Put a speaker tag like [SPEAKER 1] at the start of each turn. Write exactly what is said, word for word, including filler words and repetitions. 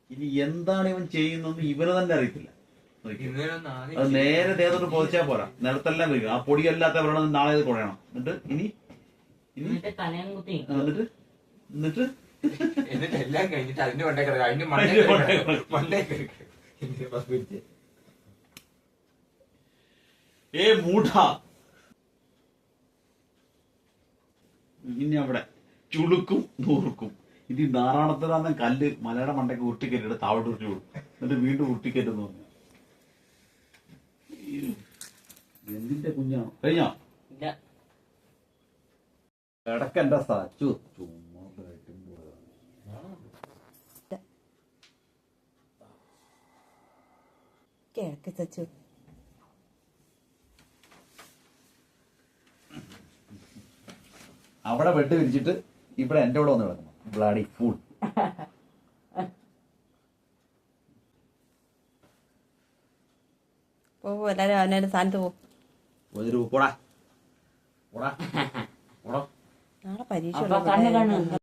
[SPEAKER 1] ഇനി എന്താണ് ഇവൻ ചെയ്യുന്നതെന്ന് ഇവന് തന്നെ അറിയത്തില്ല. അത് നേരെ ദേഹത്തോട്ട് പൊതിച്ചാൽ പോരാ, നിലത്തെല്ലാം വരിക. ആ പൊടിയല്ലാത്ത വെള്ളം നാളെ ഇത് കുഴയണം. എന്നിട്ട് ഇനി ഇനി എന്നിട്ട് എന്നിട്ട്
[SPEAKER 2] എന്നിട്ട് എല്ലാം കഴിഞ്ഞിട്ട് അതിന്റെ മണ്ടേ കിടക്കുക. അതിന്റെ മണ്ടേ
[SPEAKER 1] ഏ മൂഢ, ഇനി അവിടെ ചുളുക്കും നൂർക്കും. ഇത് നാറാണത്തിലാന്ന കല്ല് മലയുടെ മണ്ടയ്ക്ക് ഉരുട്ടിക്കറ്റിട്ട് താവട്ട് ഉരുട്ടി കൊടുക്കും. എന്നിട്ട് വീണ്ടും ഉരുട്ടിക്കറ്റെന്ന് പറഞ്ഞു. എന്തിന്റെ കുഞ്ഞാണോ? കഴിഞ്ഞോ? കിടക്കണ്ട സാച്ചു ചുമ്മാ
[SPEAKER 3] കിഴക്ക് ചച്ചു.
[SPEAKER 1] അവിടെ ബെഡ് വിരിച്ചിട്ട് ഇവിടെ എന്റെ കൂടെ വന്ന് കിടക്കണം. Bloody fool.
[SPEAKER 3] പോ, എല്ലാരും അവനവന്റെ സ്ഥാനത്ത് പോ.
[SPEAKER 1] പോടാ പോടാ പോടാ.
[SPEAKER 3] നാളെ പരീക്ഷ